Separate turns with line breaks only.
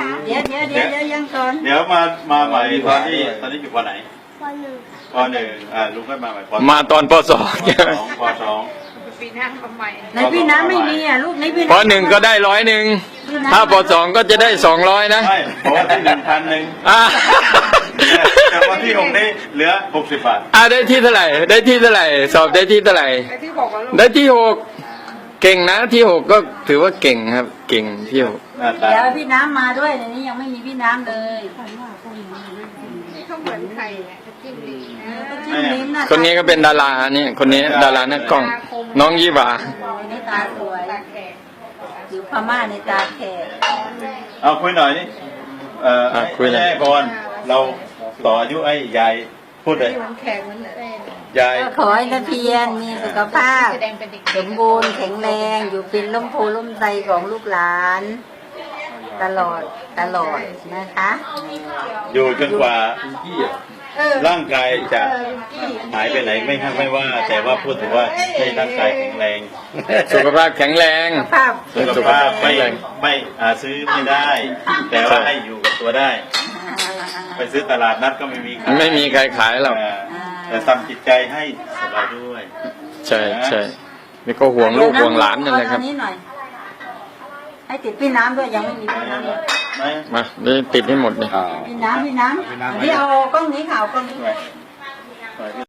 เดี๋ยวยังก่อน
เดี๋ยวมาใหม่ตอนนี้อยู่ป.ไหนป.1ลุงก็มาใหม่ป.
มาตอนป.2
ป.2
ปีหน้าทำไม
ในพี่น้ำไม่มีอ่ะลูกในพี่
ป.1 ก็ได้100ถ้าป.2 ก็จะได้200นะ
ไม่เพราะว่าที่1,100
อ่า
แต่วันที่6นี้เหลือ60 บาท
ได้ที่เท่าไหร่ได้ที่เท่าไหร่สอบได้ที่เท่าไหร่
ไอ้ที่บอกว่าลูก
ได้ที่6เก่งนะที่6ก็ถือว่าเก่งครับเก่งที่6
หน้าตา
เดี๋ยวพี่น้ำมาด้วยในนี้ยังไม่มีพี่น้ำเลย
นี่เขาเหมือนใครเนี่ยจิ้มลิ้ม
จิ้มลิ้มนะ
คนนี้ก็เป็นดาราเนี่ยคนนี้ดารานักกล้องน้องยี่หวา
ในตาสวย
ตาแขก
อยู่พม่าในตาแขก
เอาคุยหน่อยนี่
คุยหน่อย
แม่บอลเราต่ออายุไอ้ยายพูดเลย
ที่เหมือนแขกเหมือนเต้น
ยาย
ก็ขอให้ตะเพียนมีสุขภาพ
แสดงเป็นเด็ก
สมบูรณ์แข็งแรงอยู่เป็นร่มโพล่มไทรของลูกหลาน ตลอดนะคะ
อยู่จนกว่าร่างกายจะหายไปไหนไม่ว่า แต่ว่าพูดถึงว่าให้ร่างกายแข็งแรง
สุขภาพแข็งแรง
ภาพ
สุขภาพไม่ซื้อไม่ได้ แต่ว่าให้อยู่กับตัวได้ ไปซื้อตลาดนัดก็ไม่มีขาย
ไม่มีใครขายหรอก
แต่ทำจิตใจให้สบายด้วย
ใช่นี่ก็ห่วงลูกห่วงหลานนั่นแหละครับ
อันี้หน่อยให้ติดพี่น้ำด้วยยังไม่มีพี่น้ำเลย
มาเดี๋ยวติดให้หมดเลย
พี่น้ำที่เอากล้องนี้ข่าวกล้องนี้